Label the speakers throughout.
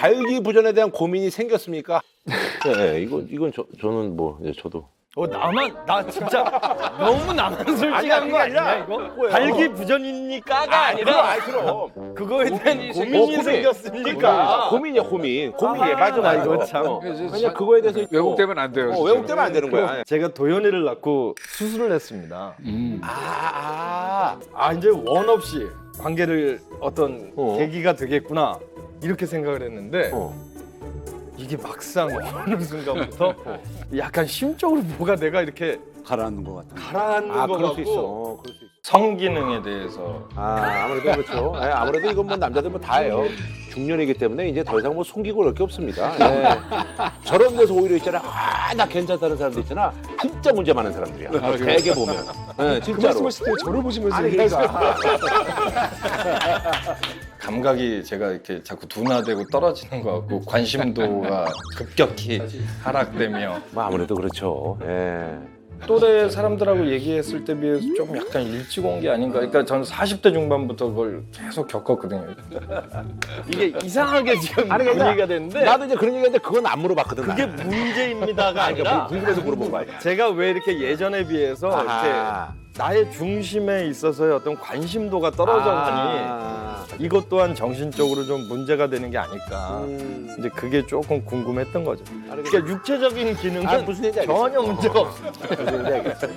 Speaker 1: 발기부전에 대한 고민이 생겼습니까? 네, 이건 저는 뭐 저도.
Speaker 2: 나 진짜 너무 나만 솔직한 거 아니야 이거? 발기부전이니까가 아니라
Speaker 1: 그럼.
Speaker 2: 그거에 대한 고민이 생겼으니까.
Speaker 1: 고민이야 고민. 맞아.
Speaker 2: 이거 참.
Speaker 1: 그냥 그거에 대해서
Speaker 3: 왜곡되면 안 돼요.
Speaker 1: 왜곡되면 안 되는 거야.
Speaker 2: 제가 도현이를 낳고 수술을 했습니다. 이제 원 없이 관계를 어떤 계기가 되겠구나 이렇게 생각을 했는데 이게 막상 어느 순간부터 약간 심적으로 뭐가 내가 이렇게
Speaker 4: 가라앉는 것 같아.
Speaker 2: 가라앉는 것
Speaker 1: 그럴 수
Speaker 2: 같고
Speaker 1: 있어.
Speaker 2: 성기능에 대해서
Speaker 1: 아무래도 그렇죠. 네, 아무래도 이건 뭐 남자들 뭐 다 해요. 중년이기 때문에 이제 더 이상 뭐 숨기고 그럴 게 없습니다. 네. 저런 데서 오히려 있잖아. 나 괜찮다는 사람들 있잖아. 진짜 문제 많은 사람들이야. 되게 보면. 네, 진짜로.
Speaker 3: 말씀하실 때 저를 보시면서
Speaker 1: 아니 그러니까.
Speaker 2: 감각이 제가 이렇게 자꾸 둔화되고 떨어지는 것 같고 관심도가 급격히 하락되며
Speaker 1: 뭐 아무래도 그렇죠. 예.
Speaker 2: 또래 사람들하고 얘기했을 때 비해서 좀 약간 일찍 온 게 아닌가. 그러니까 저는 40대 중반부터 그걸 계속 겪었거든요. 이게 이상하게 지금
Speaker 1: 아니, 그러니까
Speaker 2: 분위기가 됐는데
Speaker 1: 나도 이제 그런 얘기했는데 그건 안 물어봤거든.
Speaker 2: 그게 문제입니다가 아니라
Speaker 1: 궁금해서 물어본 거 아니야.
Speaker 2: 제가 왜 이렇게 예전에 비해서
Speaker 1: 아하.
Speaker 2: 이렇게 나의 중심에 있어서의 어떤 관심도가 떨어져 가니 이것 또한 정신적으로 좀 문제가 되는 게 아닐까. 이제 그게 조금 궁금했던 거죠. 그러니까 육체적인 기능은
Speaker 1: 무슨 얘기인지 알겠어.
Speaker 2: 전혀 문제가 없습니다.
Speaker 1: 무슨 얘기인지 알겠어.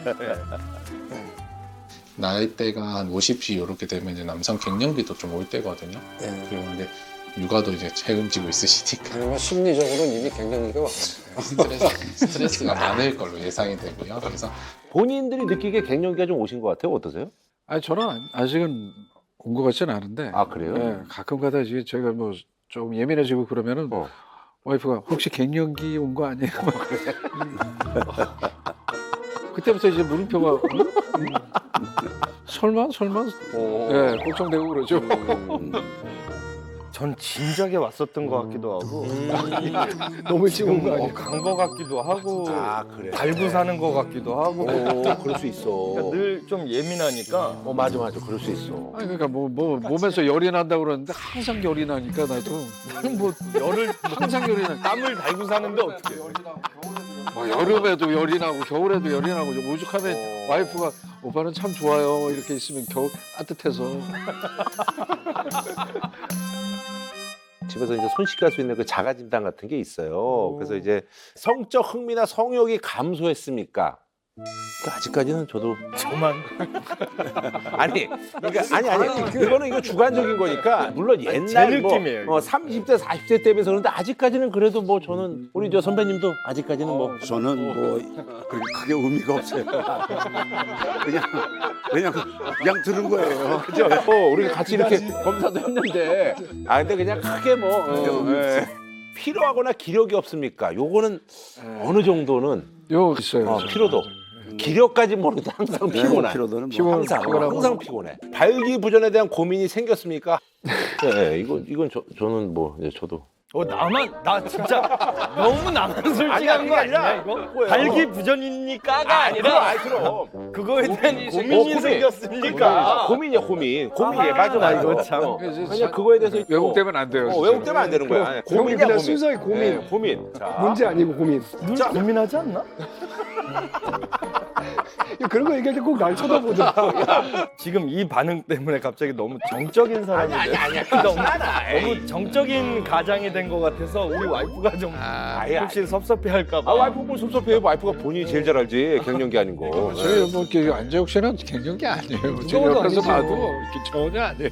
Speaker 5: 나이대가 한 50이 이렇게 되면 이제 남성 갱년기도 좀 올 때거든요. 그리고 근데 육아도 이제 책임지고 있으시니까
Speaker 4: 아니면 심리적으로는 이미 갱년기가 왔어요.
Speaker 5: 스트레스가 많을 걸로 예상이 되고요. 그래서
Speaker 1: 본인들이 느끼기에 갱년기가 좀 오신 것 같아요. 어떠세요?
Speaker 3: 아니 저는 아직은 온 것 같지는 않은데.
Speaker 1: 그래요?
Speaker 3: 예, 가끔가다 이제 제가 뭐 좀 예민해지고 그러면은 와이프가 혹시 갱년기 온 거 아니에요? 막 그래. 그때부터 이제 물음표가 설마 예, 걱정되고 그러죠.
Speaker 2: 전 진작에 왔었던 것 같기도 하고
Speaker 3: 너무 일찍 온 거 아니에요?
Speaker 2: 간 것 같기도 하고
Speaker 1: 그래.
Speaker 2: 달고 사는 것 같기도 하고
Speaker 1: 그럴 수 있어.
Speaker 2: 그러니까 늘 좀 예민하니까
Speaker 1: 맞아. 그럴 수 있어.
Speaker 3: 아니 그러니까 뭐 몸에서 열이 난다고 그러는데 항상 열이 나니까 나도 나는 뭐 열을 항상 열이 나.
Speaker 2: 땀을 달고 사는데 어떻게
Speaker 3: 뭐 여름에도 열이 나고 겨울에도 열이 나고 좀 오죽하면 와이프가 오빠는 참 좋아요 이렇게 있으면 겨우 따뜻해서.
Speaker 1: 집에서 이제 손쉽게 할 수 있는 그 자가 진단 같은 게 있어요. 그래서 이제 성적 흥미나 성욕이 감소했습니까? 그러니까 아직까지는 저도
Speaker 2: 저만
Speaker 1: 그러니까 그거는 이거 주관적인 거니까 물론 옛날
Speaker 2: 제 느낌이에요, 이거.
Speaker 1: 30대 40대 때 비해서 그런데 아직까지는 그래도 뭐 저는 우리 저 선배님도 아직까지는 뭐
Speaker 4: 저는 뭐 그렇게 크게 의미가 없어요. 그냥 들은 거예요.
Speaker 1: 그죠? 우리가 같이 이렇게 검사도 했는데 근데 그냥 크게 뭐 필요하거나 기력이 없습니까? 요거는 어느 정도는
Speaker 3: 요 있어요.
Speaker 1: 피로도. 기력까지 모르도 항상 피곤해.
Speaker 4: 피로도는
Speaker 1: 항상 피곤해. 발기부전에 대한 고민이 생겼습니까? 네, 이건 저는 뭐 저도.
Speaker 2: 나 진짜 너무 나만 솔직한 거 아니야 이거? 발기부전이니까가 아니라
Speaker 1: 그럼.
Speaker 2: 그거에 대한 고민이
Speaker 1: 고민.
Speaker 2: 생겼으니까
Speaker 1: 고민이야 고민. 맞아.
Speaker 2: 이거 참.
Speaker 1: 그냥 그거에 대해서
Speaker 3: 왜곡되면 안 돼요.
Speaker 1: 왜곡되면 안 되는 거야. 고민이야 고민.
Speaker 6: 순수하게 고민.
Speaker 1: 네, 고민. 자.
Speaker 6: 문제 아니고 고민.
Speaker 2: 늘 고민하지 않나?
Speaker 6: 그런 거 얘기할 때 꼭 날 쳐다보더라.
Speaker 2: 지금 이 반응 때문에 갑자기 너무 정적인 사람이
Speaker 1: 아니야.
Speaker 2: 너무 정적인 가장이 된 것 같아서 우리 와이프가 좀 혹시 섭섭해할까 봐.
Speaker 1: 와이프 뭐 섭섭해. 와이프가 본인이 제일 잘 알지. 갱년기 아닌 거.
Speaker 3: 저희 뭐 이렇게 안재욱 씨는 갱년기 아니에요. 제
Speaker 6: 그거도
Speaker 3: 옆에서
Speaker 6: 아니죠.
Speaker 3: 봐도 이렇게 전혀 아니에요.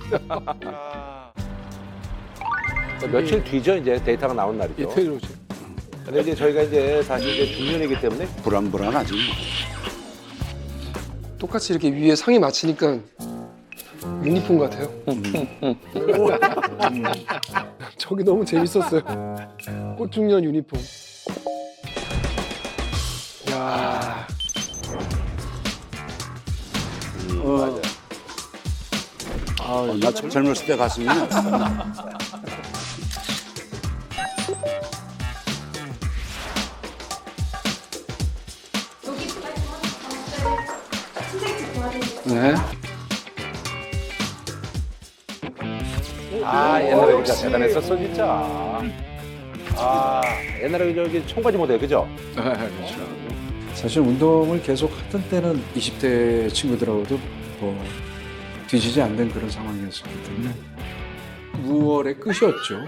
Speaker 1: 며칠 뒤죠 이제 데이터가 나온 날이죠.
Speaker 3: 이태일 오지.
Speaker 1: 근데 이제 저희가 이제 사실 이제 중년이기 때문에
Speaker 4: 불안하지.
Speaker 6: 똑같이 이렇게 위에 상의 맞추니까 유니폼 같아요. 저기 너무 재밌었어요. 꽃중년 유니폼. 야.
Speaker 4: 나 젊었을 때 갔으면
Speaker 3: 네.
Speaker 1: 아 옛날에 진짜 대단했었어 진짜. 아 옛날에 저기 청바지 모델 그죠?
Speaker 3: 네, 그렇죠.
Speaker 7: 사실 운동을 계속 하던 때는 20대 친구들하고도 뭐 뒤지지 않는 그런 상황이었기 때문에 무월의 끝이었죠.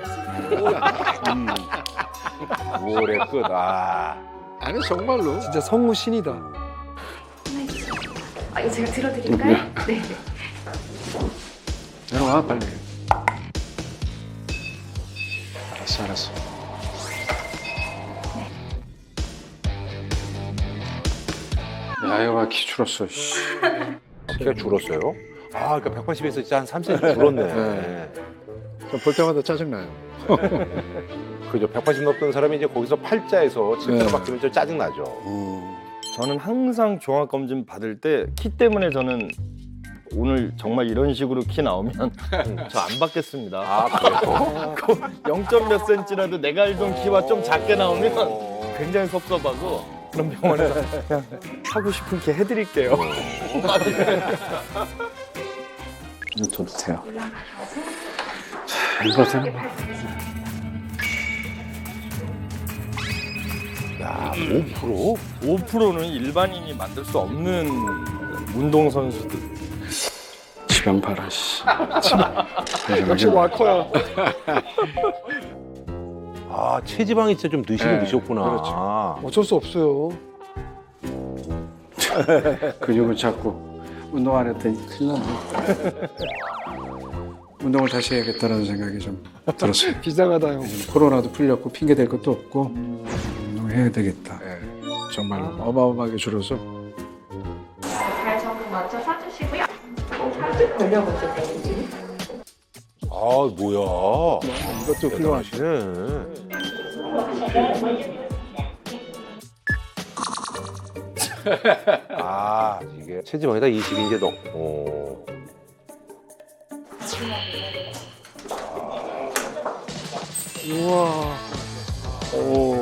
Speaker 1: 5월의 끝. 아.
Speaker 3: 아니 정말로.
Speaker 6: 진짜 성우 신이다.
Speaker 8: 아, 이거 제가 들어드릴까요? 네.
Speaker 7: 내려와 빨리. 알았어. 야여가 키 줄었어. 씨.
Speaker 1: 키가 줄었어요? 아, 그러니까 180에서 진짜 한 3cm 줄었네.
Speaker 3: 네. 볼 때마다 짜증나요.
Speaker 1: 그죠. 180 넘던 사람이 이제 거기서 팔자에서 7kg
Speaker 3: 네.
Speaker 1: 바뀌면 좀 짜증나죠.
Speaker 2: 저는 항상 종합검진 받을 때 키 때문에 저는 오늘 정말 이런 식으로 키 나오면 저 안 받겠습니다.
Speaker 1: 아, 그래요?
Speaker 2: 0. 몇 센치라도 내가 알던 키와 좀 작게 나오면 굉장히 섭섭하고 그런 병원에서 그냥 하고 싶은 키 해드릴게요.
Speaker 7: 이거 줘도 돼요. 이거는
Speaker 1: 야, 5%?
Speaker 2: 5%는 일반인이 만들 수 없는 운동 선수들.
Speaker 7: 지방 봐라. 씨.
Speaker 6: 역시 와커야.
Speaker 1: 아, 체지방이 진짜 좀 드시긴
Speaker 3: 네,
Speaker 1: 드셨구나.
Speaker 3: 그렇죠.
Speaker 6: 어쩔 수 없어요.
Speaker 7: 근육을 잡고 운동 안 했더니 큰일 났네. 운동을 다시 해야겠다는 생각이 좀 들었어요.
Speaker 6: 비상하다 형.
Speaker 7: 코로나도 풀렸고 핑계 댈 것도 없고 운동해야 되겠다. 정말 어마어마하게 줄어서
Speaker 8: 잘 정도 먼저 서주시고요. 살짝 돌려보세요.
Speaker 1: 아, 뭐야.
Speaker 6: 이것도 훌륭하시.
Speaker 1: 대단하시네. 아, 이게 체지방에다 20인제 넣고.
Speaker 6: 우와. 오.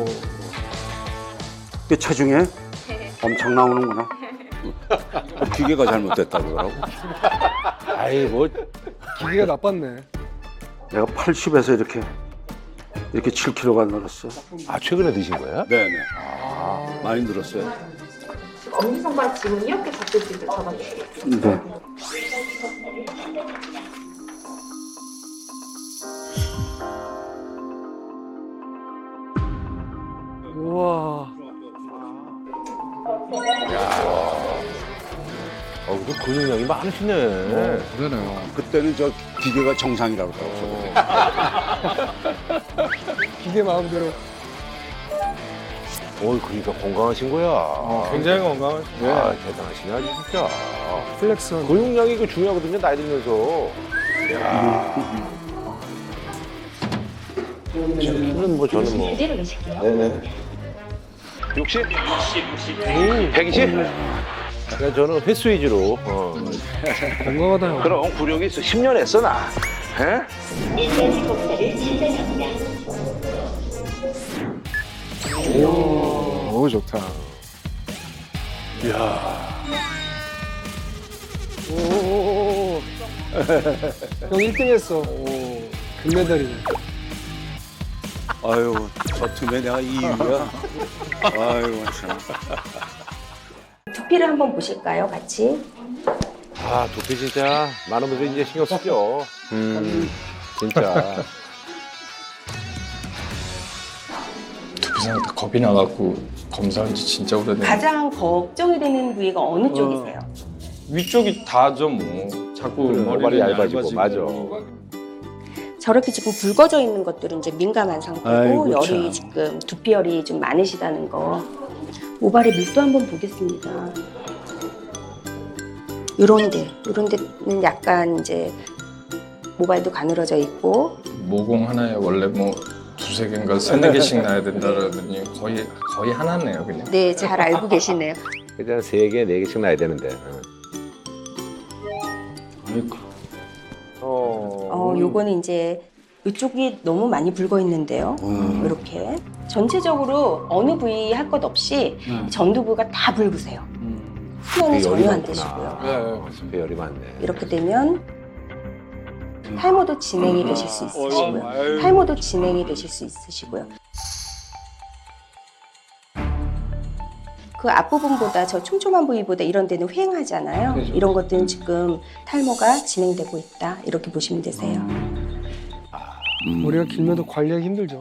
Speaker 4: 그 체중에 엄청 나오는구나. 기계가 잘못됐다 그러더라고.
Speaker 1: 아이, 뭐.
Speaker 6: 기계가 나빴네.
Speaker 4: 내가 80에서 이렇게 7kg가 늘었어.
Speaker 1: 아, 최근에 드신 거예요?
Speaker 4: 네네. 많이 늘었어요.
Speaker 8: 엄지손가락 지금 이렇게 잡힐 수 있도록 잡아주세요.
Speaker 4: 네.
Speaker 6: 우와.
Speaker 1: 그 근육량이 많으시네.
Speaker 3: 그러네요.
Speaker 4: 그때는 저 기계가 정상이라고 그러더라고.
Speaker 6: 기계 마음대로.
Speaker 1: 그러니까 건강하신 거야.
Speaker 2: 굉장히 건강하시고
Speaker 1: 아, 대단하시네, 아주 진짜.
Speaker 6: 플렉스한.
Speaker 1: 근육량이 그 중요하거든요, 나이 들면서. 야. 저는 뭐.
Speaker 8: 그대로 계실게요.
Speaker 1: 네네. 60? 120? 그러니까 저는 횟수 위주로.
Speaker 6: 건강하다 형.
Speaker 1: 그럼 구력이 있어. 10년 했어, 나. 에?
Speaker 3: 오 좋다.
Speaker 6: 오. 형 1등 했어. 금메달이네.
Speaker 4: 아유, 저 틈에 내가 2위야. 아유, 참.
Speaker 8: 두피를 한번 보실까요, 같이?
Speaker 1: 아, 두피 진짜 많은 분들이 이제 신경 쓰죠. 진짜.
Speaker 5: 두피 상태 겁이 나갖고 검사한 지 진짜 오래됐네.
Speaker 8: 가장 걱정이 되는 부위가 어느 쪽이세요?
Speaker 2: 위쪽이 다죠 뭐. 자꾸
Speaker 1: 머리
Speaker 2: 머리가
Speaker 1: 얇아지고, 맞아.
Speaker 8: 저렇게 지금 붉어져 있는 것들은 이제 민감한 상태고
Speaker 4: 아이고,
Speaker 8: 열이
Speaker 4: 참.
Speaker 8: 지금 두피열이 좀 많으시다는 거. 모발의 밀도 한번 보겠습니다. 요런 데는 약간 이제 모발도 가늘어져 있고
Speaker 5: 모공 하나에 원래 뭐 두세 개인가 세네 개씩 나야 된다라더니 거의 하나네요 그냥.
Speaker 8: 네, 잘 알고 계시네요.
Speaker 1: 그냥 3개, 4개씩 나야 되는데.
Speaker 8: 요거는 이제 이쪽이 너무 많이 붉어 있는데요. 이렇게 전체적으로 어느 부위 할 것 없이 전두부가 다 붉으세요. 수면은
Speaker 1: 열이
Speaker 8: 전혀 안
Speaker 1: 많구나.
Speaker 8: 되시고요.
Speaker 3: 네.
Speaker 1: 배열이 많네.
Speaker 8: 이렇게 되면 탈모도 진행이 되실 수 있으시고요. 탈모도 진행이 되실 수 있으시고요. 그 앞부분보다 저 촘촘한 부위보다 이런 데는 휑하잖아요.
Speaker 7: 그렇죠.
Speaker 8: 이런 것들은 지금 탈모가 진행되고 있다. 이렇게 보시면 되세요.
Speaker 6: 머리가 길면 더 관리하기 힘들죠.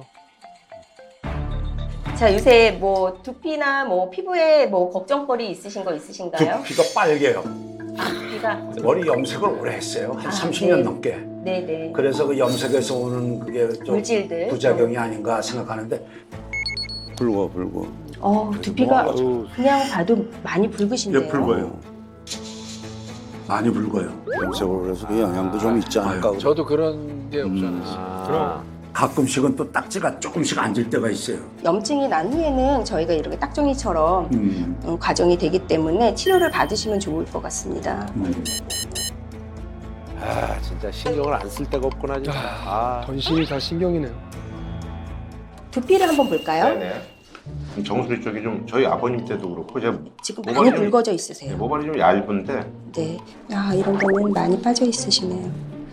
Speaker 8: 자, 요새 뭐 두피나 뭐 피부에 뭐 걱정거리 있으신 거 있으신가요?
Speaker 9: 두피가 빨개요.
Speaker 8: 두피가
Speaker 9: 머리 염색을 오래 했어요. 한
Speaker 8: 아,
Speaker 9: 30년
Speaker 8: 네.
Speaker 9: 넘게.
Speaker 8: 네네.
Speaker 9: 그래서 그 염색에서 오는 그게 좀
Speaker 8: 물질들.
Speaker 9: 부작용이 아닌가 생각하는데
Speaker 4: 붉어 붉어.
Speaker 8: 두피가 그냥 봐도 많이 붉으신데요.
Speaker 9: 왜 붉어요? 많이 붉어요.
Speaker 4: 염색을 해서 그 영향도 좀 있지 않을까.
Speaker 3: 저도 그런 게 없지 않았어요.
Speaker 2: 그럼
Speaker 9: 가끔씩은 또 딱지가 조금씩 앉을 때가 있어요.
Speaker 8: 염증이 난 후에는 저희가 이렇게 딱정이처럼 과정이 되기 때문에 치료를 받으시면 좋을 것 같습니다.
Speaker 1: 아 진짜 신경을 안 쓸 데가 없구나 진짜. 아.
Speaker 6: 전신이 다 신경이네요.
Speaker 8: 두피를 한번 볼까요?
Speaker 1: 네네. 정수리 쪽이 좀 저희 아버님 때도 그렇고 제가
Speaker 8: 지금
Speaker 1: 모발이
Speaker 8: 많이
Speaker 1: 좀-
Speaker 8: 붉어져 있으세요.
Speaker 1: 모발이 좀 얇은데
Speaker 8: 네. 아, 이런 데는 많이 빠져 있으시네요.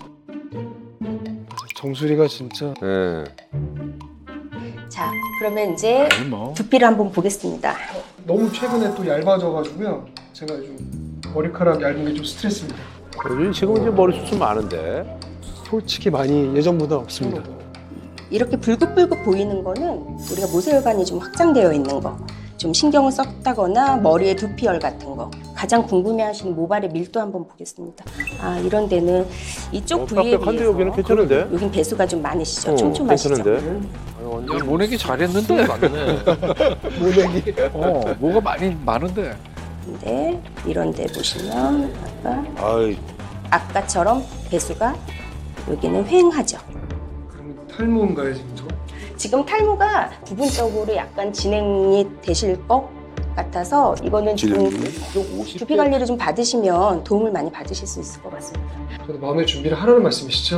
Speaker 6: 정수리가 진짜
Speaker 1: 네.
Speaker 8: 자, 그러면 이제
Speaker 2: 뭐.
Speaker 8: 두피를 한번 보겠습니다.
Speaker 6: 너무 최근에 또 얇아져가지고요. 제가 좀 머리카락 얇은 게 좀 스트레스입니다.
Speaker 1: 요즘 지금 이제 머리 숱은 많은데
Speaker 6: 솔직히 많이 예전보다 없습니다.
Speaker 8: 이렇게 불긋불긋 보이는 거는 우리가 모세혈관이 좀 확장되어 있는 거, 좀 신경을 썼다거나 머리에 두피열 같은 거. 가장 궁금해하시는 모발의 밀도 한번 보겠습니다. 아, 이런 데는 이쪽 부위에
Speaker 1: 빽빽한데
Speaker 8: 비해서
Speaker 1: 여기는 괜찮은데?
Speaker 8: 여긴 배수가 좀 많으시죠? 촘촘하시죠?
Speaker 1: 괜찮은데?
Speaker 3: 야, 모내기 잘했는데 맞네. 모내기. 뭐가 많이 많은데.
Speaker 8: 근데 이런 데 보시면
Speaker 1: 아이
Speaker 8: 아까처럼 배수가 여기는 휑하죠.
Speaker 6: 그러면 탈모인가요 지금 저?
Speaker 8: 지금 탈모가 부분적으로 약간 진행이 되실 것 같아서 이거는 지금 두피 관리를 좀 받으시면 도움을 많이 받으실 수 있을 것 같습니다.
Speaker 6: 저도 마음의 준비를 하라는 말씀이시죠?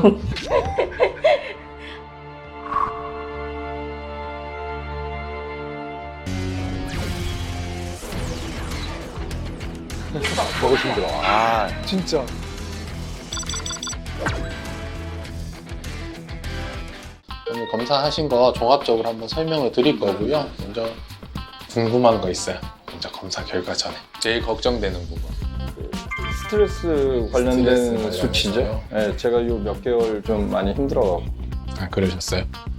Speaker 1: 먹기 힘들어. 아
Speaker 6: 진짜.
Speaker 5: 오늘 검사하신 거 종합적으로 한번 설명을 드릴 거고요. 먼저 궁금한 거 있어요. 먼저 검사 결과 전에 제일 걱정되는 부분.
Speaker 2: 스트레스 관련된
Speaker 5: 스트레스
Speaker 2: 수치죠.
Speaker 5: 관련해서요?
Speaker 2: 네, 제가 요 몇 개월 좀 많이 힘들어갖고
Speaker 5: 아 그러셨어요?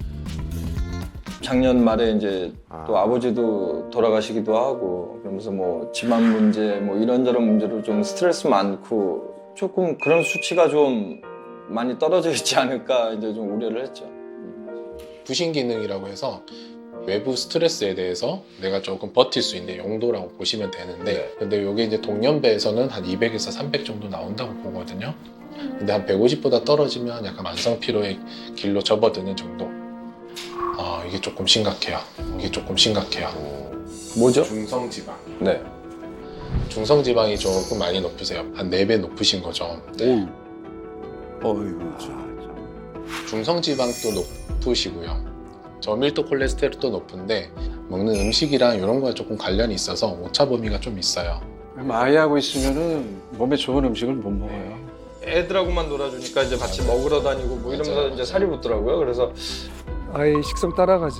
Speaker 2: 작년 말에 이제 또 아버지도 돌아가시기도 하고 그러면서 뭐 집안 문제 뭐 이런저런 문제로 좀 스트레스 많고 조금 그런 수치가 좀 많이 떨어져 있지 않을까 이제 좀 우려를 했죠.
Speaker 5: 부신 기능이라고 해서 외부 스트레스에 대해서 내가 조금 버틸 수 있는 용도라고 보시면 되는데 근데 이게 이제 동년배에서는 한 200에서 300 정도 나온다고 보거든요. 근데 한 150보다 떨어지면 약간 만성 피로의 길로 접어드는 정도. 이게 조금 심각해요. 이게 조금 심각해요.
Speaker 2: 뭐죠?
Speaker 5: 중성지방.
Speaker 2: 네.
Speaker 5: 중성지방이 조금 많이 높으세요. 한 4배 높으신 거죠.
Speaker 4: 어이구 참.
Speaker 5: 중성지방도 높으시고요. 저밀도 콜레스테롤도 높은데 먹는 음식이랑 이런 거에 조금 관련이 있어서 오차 범위가 좀 있어요.
Speaker 7: 아이하고 있으면은 몸에 좋은 음식을 못 먹어요.
Speaker 2: 애들하고만 놀아주니까 이제 같이 먹으러 다니고 뭐 이러면서
Speaker 5: 맞아요.
Speaker 2: 이제 살이 붙더라고요. 그래서
Speaker 6: 아이 식성 따라가지.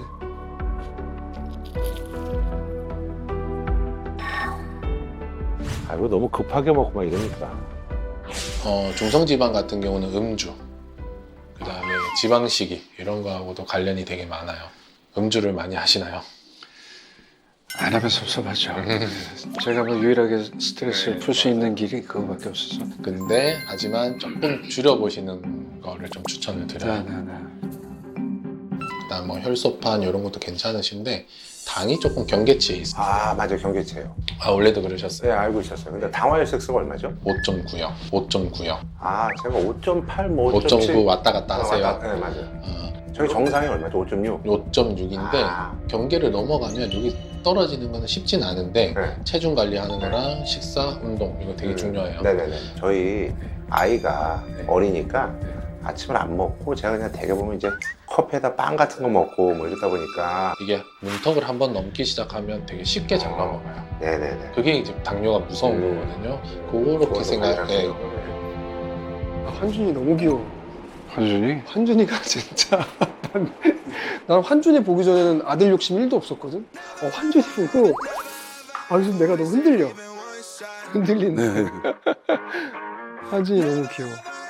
Speaker 1: 아이고 너무 급하게 먹고 막 이러니까.
Speaker 5: 중성지방 같은 경우는 음주, 그 다음에 지방식이 이런 거하고도 관련이 되게 많아요. 음주를 많이 하시나요?
Speaker 7: 안 하면 섭섭하죠. 제가 뭐 유일하게 스트레스를 풀 수 있는 길이 그거밖에 없어서.
Speaker 5: 근데 하지만 조금 줄여보시는 거를 좀 추천을 드려요.
Speaker 7: 네네네.
Speaker 5: 그다음 뭐 혈소판 이런 것도 괜찮으신데 당이 조금 경계치에 있어요.
Speaker 1: 아 맞아 경계체요.
Speaker 5: 원래도 그러셨어요?
Speaker 1: 네 알고 있었어요. 근데 당화혈색소가 얼마죠?
Speaker 5: 5.9요. 5.9요.
Speaker 1: 아 제가 5.8, 뭐
Speaker 5: 5.9 왔다 갔다 하세요.
Speaker 1: 네 맞아요. 저희 정상이 얼마죠? 5.6.
Speaker 5: 5.6인데 경계를 넘어가면 여기 떨어지는 거는 쉽진 않은데
Speaker 1: 네.
Speaker 5: 체중 관리하는 거랑 식사, 운동 이거 되게 중요해요.
Speaker 1: 네네네. 저희 아이가 어리니까 아침을 안 먹고 제가 그냥 대개 보면 이제 커피에다 빵 같은 거 먹고 뭐 이러다 보니까
Speaker 5: 이게 문턱을 한번 넘기 시작하면 되게 쉽게 잘 넘어가요.
Speaker 1: 네네네.
Speaker 5: 그게 이제 당뇨가 무서운 거거든요. 그렇게 생각해.
Speaker 6: 아, 한준이 너무 귀여워.
Speaker 3: 한준이?
Speaker 6: 환준이가 진짜 난 환준이 보기 전에는 아들 욕심 1도 없었거든. 환준이 보고 요즘 내가 너무 흔들리네. 환준이 너무 귀여워.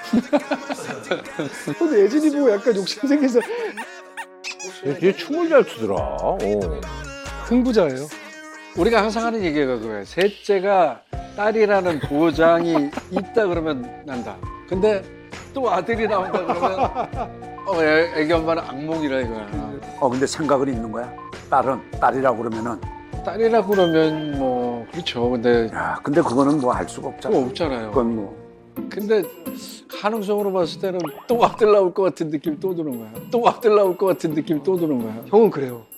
Speaker 6: 근데 예진이 보고 약간 욕심 생겨서
Speaker 1: 얘 춤을 잘 추더라.
Speaker 6: 흥부자예요.
Speaker 3: 우리가 항상 하는 얘기가 그거예요. 셋째가 딸이라는 보장이 있다 그러면 난다. 근데 또 아들이 나온다 그러면 애기 엄마는 악몽이라 이거야.
Speaker 9: 근데 생각은 있는 거야? 딸이라고 그러면은.
Speaker 3: 딸이라고 그러면 뭐 그렇죠. 근데
Speaker 9: 야, 근데 그거는 뭐 알 수가 없잖아.
Speaker 3: 또 없잖아요.
Speaker 9: 그건 뭐.
Speaker 3: 근데 가능성으로 봤을 때는 또 아들 나올 것 같은 느낌이 또 드는 거야. 또 아들 나올 것 같은 느낌이 또 드는 거야.
Speaker 6: 형은 그래요.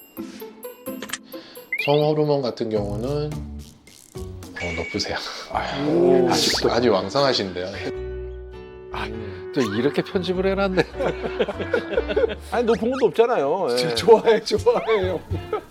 Speaker 5: 성호르몬 같은 경우는 높으세요.
Speaker 1: 아직도
Speaker 5: 아주 왕성하신데요.
Speaker 3: 또 이렇게 편집을 해놨네.
Speaker 1: 아니 높은 것도 없잖아요. 예.
Speaker 6: 좋아해요.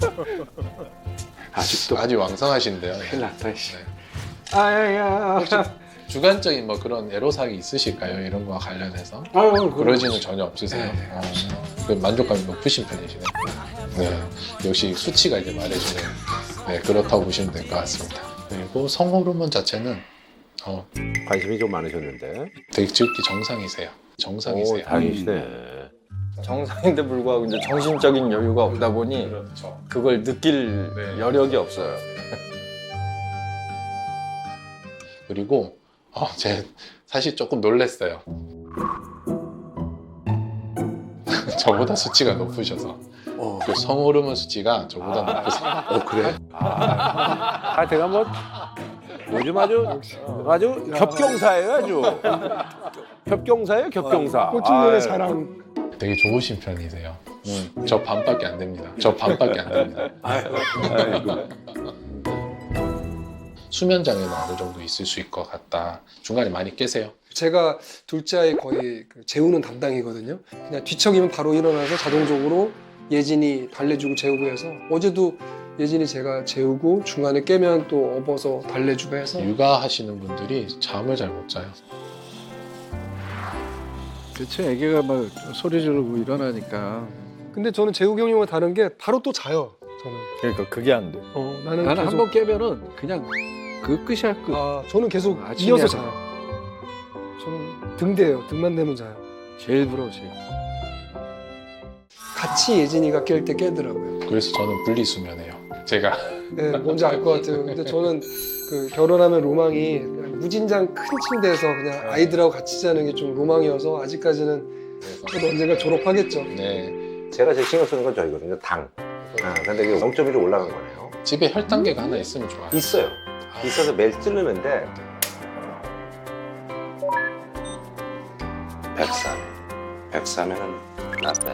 Speaker 1: 아직도
Speaker 5: 아주 왕성하신데요.
Speaker 3: 큰일 났다. 씨.
Speaker 5: 네.
Speaker 3: 아야야.
Speaker 5: 주관적인 뭐 그런 애로사항이 있으실까요? 이런 거와 관련해서?
Speaker 3: 아유,
Speaker 5: 그러지는 전혀 없으세요. 그 만족감이 높으신 편이시네. 네, 역시 수치가 이제 말해주는 그렇다고 보시면 될 것 같습니다. 그리고 성호르몬 자체는
Speaker 1: 관심이 좀 많으셨는데.
Speaker 5: 되게 즉기 정상이세요. 정상이세요.
Speaker 1: 다행이시네.
Speaker 2: 정상인데 불구하고 이제 정신적인 여유가 없다 보니
Speaker 5: 그렇죠.
Speaker 2: 그걸 느낄 여력이 없어요.
Speaker 5: 그리고 제가 사실 조금 놀랐어요. 저보다 수치가 높으셔서 그 성호르몬 수치가 저보다 높으세요.
Speaker 1: 그래? 제가 뭐 요즘 아주 겹경사예요, 아주. 겹경사예요, 겹경사.
Speaker 6: 꽃중년의 사랑.
Speaker 5: 되게 좋으신 편이세요. 저 반밖에 안 됩니다. 저 반밖에 안 됩니다. 수면 장애는 어느 정도 있을 수 있을 것 같다. 중간에 많이 깨세요?
Speaker 6: 제가 둘째 아이 거의 재우는 담당이거든요. 그냥 뒤척이면 바로 일어나서 자동적으로 예진이 달래주고 재우고 해서 어제도 예진이 제가 재우고 중간에 깨면 또 업어서 달래주고 해서
Speaker 5: 육아하시는 분들이 잠을 잘 못 자요.
Speaker 3: 그치, 애기가 막 소리 지르고 일어나니까.
Speaker 6: 근데 저는 재욱이 형님과 다른 게 바로 또 자요. 저는.
Speaker 2: 그러니까 그게 안 돼.
Speaker 6: 나는
Speaker 3: 나는
Speaker 6: 계속,
Speaker 3: 한 번 깨면은 그냥 그 끝이야, 끝.
Speaker 6: 저는 계속
Speaker 3: 아침에
Speaker 6: 이어서
Speaker 3: 하죠.
Speaker 6: 자요. 저는 등대요. 등만 대면 자요.
Speaker 3: 제일 부러우세요.
Speaker 6: 같이 예진이가 깰 때 깨더라고요.
Speaker 5: 그래서 저는 분리수면해요. 제가
Speaker 6: 네, 뭔지 알 것 같아요. 근데 저는 그 결혼하면 로망이 그냥 무진장 큰 침대에서 그냥 아이들하고 같이 자는 게 좀 로망이어서 아직까지는 저도 언젠가 졸업하겠죠.
Speaker 5: 네.
Speaker 1: 제가 제일 신경 쓰는 건 저이거든요, 당. 근데 이게 0.1로 올라간 거네요.
Speaker 5: 집에 혈당계가 하나 있으면 좋아요.
Speaker 1: 있어요. 있어서 매일 찌르는데 104면은 나빠.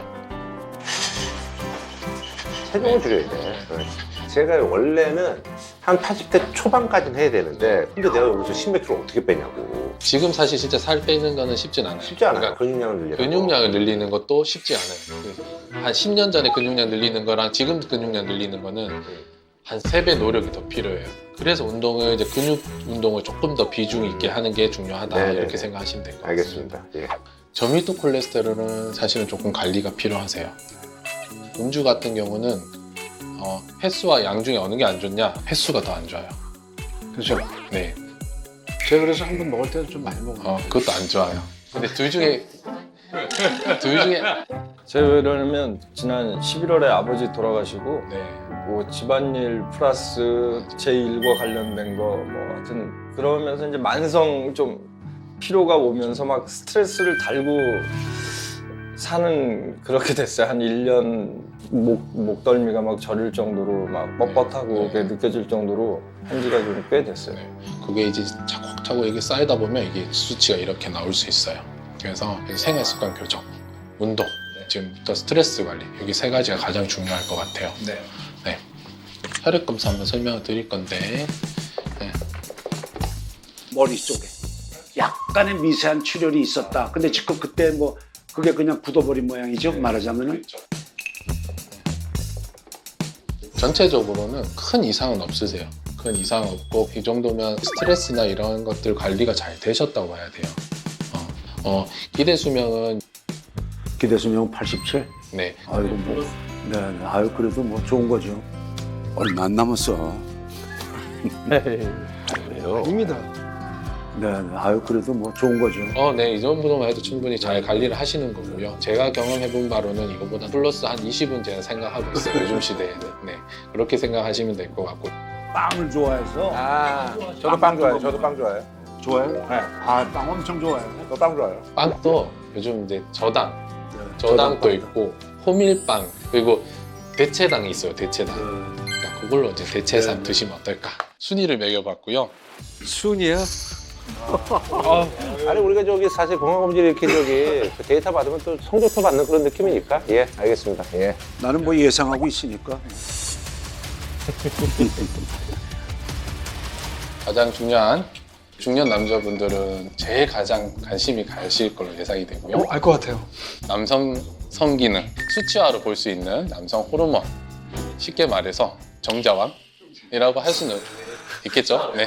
Speaker 1: 체중을 줄여야 돼. 제가 원래는 한 80대 초반까지는 해야 되는데 근데 내가 여기서 10몇 킬로 어떻게 빼냐고.
Speaker 5: 지금 사실 진짜 살 빼는 거는 쉽진 않아요.
Speaker 1: 쉽지 않아요.
Speaker 5: 그러니까
Speaker 1: 근육량을 늘리는
Speaker 5: 근육량을 늘리는 것도 쉽지 않아요. 한 10년 전에 근육량 늘리는 거랑 지금 근육량 늘리는 거는 한 3배 노력이 더 필요해요. 그래서 운동을 이제 근육 운동을 조금 더 비중 있게 하는 게 중요하다.
Speaker 1: 네네네.
Speaker 5: 이렇게 생각하시면 될 것 같습니다.
Speaker 1: 알겠습니다. 예.
Speaker 5: 저밀도 콜레스테롤은 사실은 조금 관리가 필요하세요. 음주 같은 경우는 횟수와 양 중에 어느 게 안 좋냐? 횟수가 더 안 좋아요.
Speaker 3: 그죠?
Speaker 5: 네.
Speaker 3: 제가 그래서 한 번 먹을 때는 좀 많이 먹어요.
Speaker 5: 그것도 안 좋아요. 근데 둘 중에
Speaker 2: 제가 왜냐면 지난 11월에 아버지 돌아가시고
Speaker 5: 네.
Speaker 2: 뭐 집안일 플러스 제 일과 관련된 거 뭐 하여튼 그러면서 이제 만성 좀 피로가 오면서 막 스트레스를 달고 사는 그렇게 됐어요. 한 1년 목덜미가 막 저릴 정도로 막 뻣뻣하고 그게 느껴질 정도로 한 지가 좀 꽤 됐어요.
Speaker 5: 그게 이제 차곡차곡 이게 쌓이다 보면 이게 수치가 이렇게 나올 수 있어요. 그래서 생활 습관 교정, 운동, 지금부터 스트레스 관리 여기 3가지가 가장 중요할 것 같아요. 네. 혈액 검사 한번 설명을 드릴 건데
Speaker 9: 머리 쪽에 약간의 미세한 출혈이 있었다. 근데 지금 그때 뭐 그게 그냥 굳어버린 모양이죠. 말하자면은.
Speaker 5: 전체적으로는 큰 이상은 없으세요. 큰 이상 없고 이 정도면 스트레스나 이런 것들 관리가 잘 되셨다고 봐야 돼요. 기대 수명은
Speaker 9: 기대수명 87.
Speaker 5: 네.
Speaker 9: 아이고 뭐, 네, 아유 그래도 뭐 좋은 거죠.
Speaker 4: 얼마 안 남았어.
Speaker 6: 아닙니다.
Speaker 9: 네, 아유 그래도 뭐 좋은 거죠.
Speaker 5: 네, 이 정도만 해도 충분히 잘 관리를 하시는 거고요. 제가 경험해본 바로는 이거보다 플러스 한 20은 제가 생각하고 있어요. 요즘 시대에는. 네, 그렇게 생각하시면 될 것 같고.
Speaker 9: 빵을 좋아해서.
Speaker 1: 저도 빵 좋아해요. 저도 빵 좋아해요.
Speaker 9: 좋아요?
Speaker 1: 네.
Speaker 9: 빵 엄청 좋아해요.
Speaker 1: 저도 빵 좋아해요.
Speaker 5: 빵도 요즘 이제 저당도 있고 호밀빵 그리고 대체당이 있어요. 대체당. 그러니까 그걸로 이제 대체상 드시면 어떨까? 순위를 매겨봤고요.
Speaker 3: 순이야?
Speaker 1: 아니 우리가 저기 사실 건강검진 이렇게 저기 그 데이터 받으면 또 성적표 받는 그런 느낌이니까. 예, 알겠습니다. 예.
Speaker 4: 나는 뭐 예상하고 있으니까.
Speaker 5: 가장 중요한 중년 남자분들은 제일 가장 관심이 가실 걸로 예상이 되고요.
Speaker 6: 알 것 같아요.
Speaker 5: 남성 성기능, 수치화로 볼 수 있는 남성 호르몬, 쉽게 말해서 정자왕이라고 할 수는 있겠죠. 네.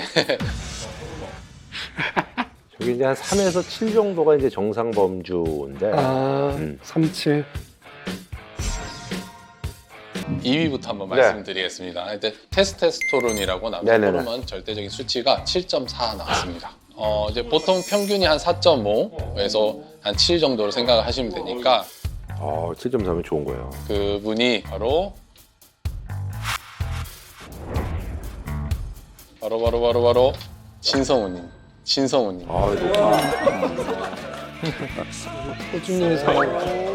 Speaker 1: 저기 이제 한 3에서 7 정도가 이제 정상 범주인데.
Speaker 6: 37.
Speaker 5: 2위부터 한번
Speaker 1: 네.
Speaker 5: 말씀드리겠습니다. 일단 테스토스테론이라고 남성
Speaker 1: 네네네.
Speaker 5: 호르몬 절대적인 수치가 7.4 나왔습니다. 이제 보통 평균이 한 4.5에서 한 7 정도로 생각을 하시면 되니까
Speaker 1: 7.3면 좋은 거예요.
Speaker 5: 그분이 바로 신성우님.
Speaker 6: 꽃중년의 사랑.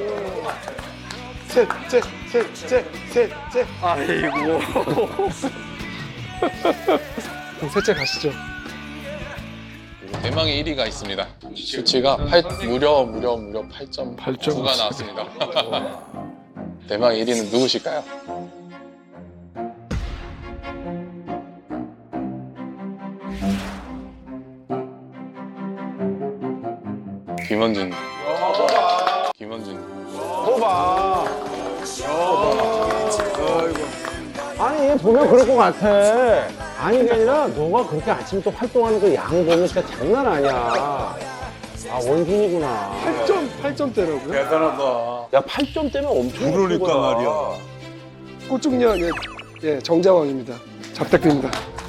Speaker 2: 아이고.
Speaker 6: 그럼 셋째 가시죠.
Speaker 5: 대망의 1위가 있습니다. 수치가 무려 8.9가 나왔습니다. 대망의 1위는 누구실까요? 김원준.
Speaker 1: 호박. 아니 얘 보면 그럴 것 같아. 아니 그게 아니라 너가 그렇게 아침부터 활동하는 그 양 보면 진짜 장난 아니야. 원준이구나.
Speaker 6: 8점대라고요?
Speaker 1: 야 8점대면 엄청
Speaker 4: 그러니까
Speaker 1: 예쁘구나.
Speaker 4: 말이야.
Speaker 6: 꽃중년 정자왕입니다. 잘 부탁드립니다.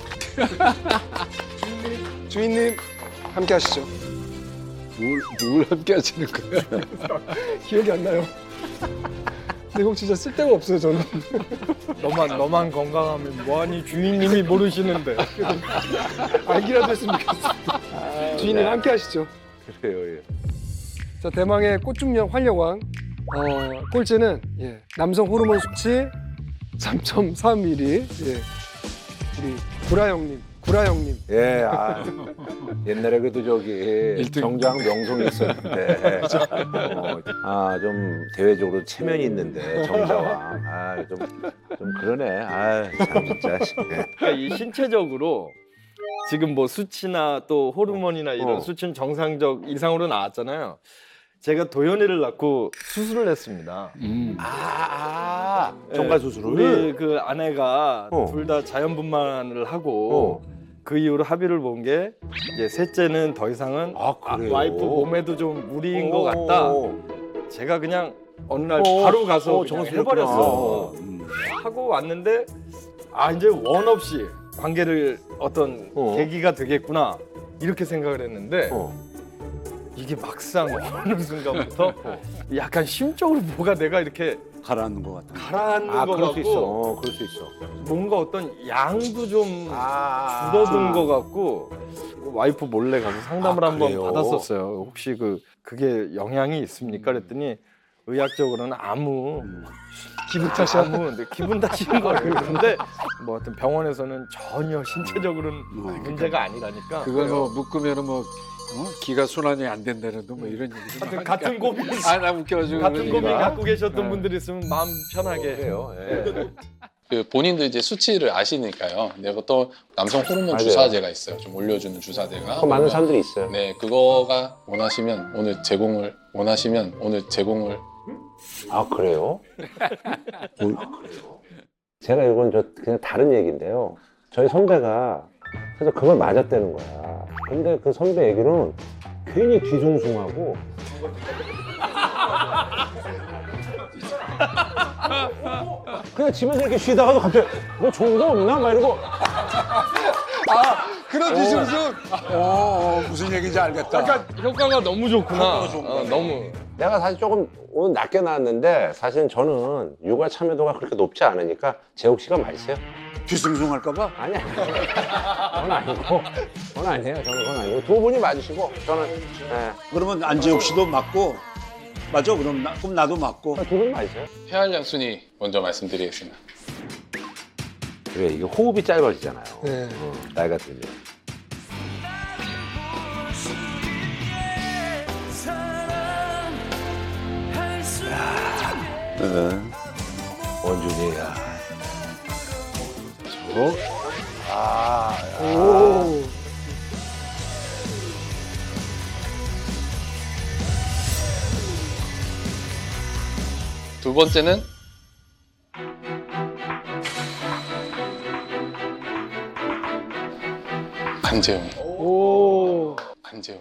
Speaker 6: 주인님 함께 하시죠.
Speaker 3: 누굴 함께 하시는 거야?
Speaker 6: 기억이 안 나요. 근데 이거 진짜 쓸데가 없어요 저는.
Speaker 2: 너만 건강하면 뭐하니 주인님이 모르시는데.
Speaker 6: 알기라도 했으면 좋겠습니다. 주인님 함께 하시죠.
Speaker 1: 그래요. 예.
Speaker 6: 자, 대망의 꽃중년 활력왕. 꼴찌는 남성 호르몬 수치 3.3mm. 우리 구라 형님.
Speaker 1: 예, 옛날에 그래도 저기
Speaker 3: 일등.
Speaker 1: 정장 명성이 있었는데, 좀 대외적으로 체면이 있는데 정자왕, 좀 그러네. 참 진짜.
Speaker 2: 그러니까 이 신체적으로 지금 뭐 수치나 또 호르몬이나 이런 수치는 정상적 이상으로 나왔잖아요. 제가 도연이를 낳고 수술을 했습니다.
Speaker 1: 정관 수술을.
Speaker 2: 우리 그 아내가
Speaker 1: 어.
Speaker 2: 둘 다 자연분만을 하고 그 이후로 합의를 본 게 이제 셋째는 더 이상은
Speaker 1: 그래요?
Speaker 2: 와이프 몸에도 좀 무리인 것 같다. 제가 그냥 어느 날 바로 가서 그냥 해버렸어. 하고 왔는데 이제 원 없이 관계를 어떤 계기가 되겠구나 이렇게 생각을 했는데 이게 막상 어느 순간부터 약간 심적으로 뭐가 내가 이렇게
Speaker 4: 가라앉는 것 같아.
Speaker 2: 가라앉는 것
Speaker 1: 그럴 수
Speaker 2: 같고
Speaker 1: 있어. 그럴 수 있어.
Speaker 2: 뭔가 어떤 양도 좀 줄어든 것 같고 와이프 몰래 가서 상담을 한번
Speaker 1: 그래요?
Speaker 2: 받았었어요. 혹시 그게 영향이 있습니까? 그랬더니 의학적으로는 아무
Speaker 6: 기분 탓이야.
Speaker 2: 근데 기분 탓인 거예요. 근데 뭐 하여튼 병원에서는 전혀 신체적으로는 문제가 아니라니까.
Speaker 3: 그거 뭐 묶으면은 뭐 기가 순환이 안 된다는 뭐 이런 얘기도
Speaker 2: 하여튼 같은 고민
Speaker 3: 나 웃겨가지고
Speaker 2: 같은
Speaker 3: 그런
Speaker 2: 고민
Speaker 3: 얘기가.
Speaker 2: 갖고 계셨던 분들 있으면 마음 편하게
Speaker 1: 해요.
Speaker 5: 그 본인도 이제 수치를 아시니까요. 근데 보통 남성 호르몬
Speaker 1: 맞아요.
Speaker 5: 주사제가 있어요. 좀 올려주는 주사제가.
Speaker 1: 많은 사람들이 있어요.
Speaker 5: 네, 그거가 원하시면 오늘 제공을.
Speaker 1: 그래요? 제가 이건 그냥 다른 얘기인데요. 저희 선배가 그래서 그걸 맞았다는 거야. 근데 그 선배 얘기는 괜히 뒤숭숭하고 그냥 집에서 이렇게 쉬다가도 갑자기 뭐 좋은 거 없나? 막 이러고
Speaker 9: 그런 뒤숭숭. 무슨 얘기인지 알겠다.
Speaker 2: 약간 효과가 너무 좋구나. 너무.
Speaker 1: 내가 사실 조금 오늘 낮게 나왔는데 사실은 저는 육아 참여도가 그렇게 높지 않으니까 재욱 씨가 맛있어요.
Speaker 9: 뒤숭숭 할까봐?
Speaker 1: 아니야. 그건 아니고. 그건 아니에요. 저는 그건 아니고. 두 분이 맞으시고 저는
Speaker 9: 그러면 안재욱 씨도 맞고, 맞아? 그럼 나도 맞고.
Speaker 1: 두 분이 맞으세요.
Speaker 5: 폐활량 순위 먼저 말씀드리겠습니다.
Speaker 1: 그래 이게 호흡이 짧아지잖아요.
Speaker 6: 네.
Speaker 1: 나이가 들면.
Speaker 4: 네.
Speaker 1: 원준이야.
Speaker 5: 두 번째는 안재웅. 안재웅.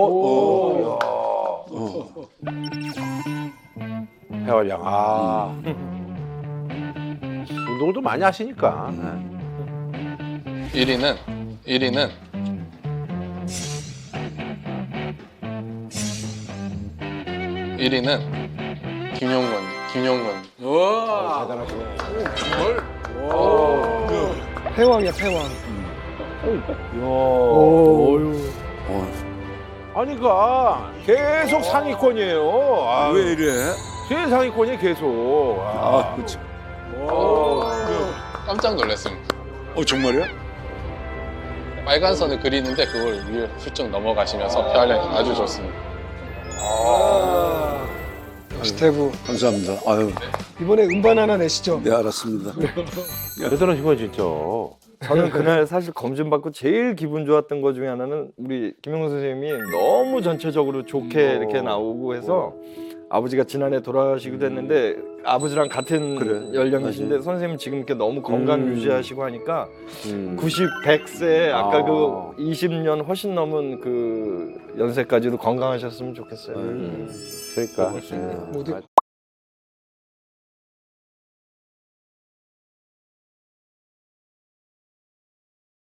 Speaker 1: 폐활량. 운동을 또 많이 하시니까.
Speaker 5: 1위는 김용건.
Speaker 6: 패왕이야, 패왕.
Speaker 1: 아니 그니까 계속 상위권이에요.
Speaker 4: 왜 이래?
Speaker 1: 제일 상위권이 계속.
Speaker 4: 그렇지.
Speaker 5: 깜짝 놀랐습니다.
Speaker 4: 정말이야?
Speaker 5: 빨간 선을 그리는데 그걸 위에 훌쩍 넘어가시면서 폐활량이 아주 좋습니다.
Speaker 6: 스테브.
Speaker 4: 감사합니다. 아유,
Speaker 6: 이번에 음반 하나 내시죠.
Speaker 4: 네 알았습니다.
Speaker 1: 대단하신 거야 진짜.
Speaker 2: 저는 그날 사실 검진 받고 제일 기분 좋았던 것 중에 하나는 우리 김용수 선생님이 너무 전체적으로 좋게 이렇게 나오고 해서 아버지가 지난해 돌아가시기도 했는데 아버지랑 같은
Speaker 4: 그래,
Speaker 2: 연령이신데 선생님 지금 이렇게 너무 건강 유지하시고 하니까
Speaker 1: 90,
Speaker 2: 100세 아까 그 20년 훨씬 넘은 그 연세까지도 건강하셨으면 좋겠어요.
Speaker 1: 그러니까.
Speaker 6: 모두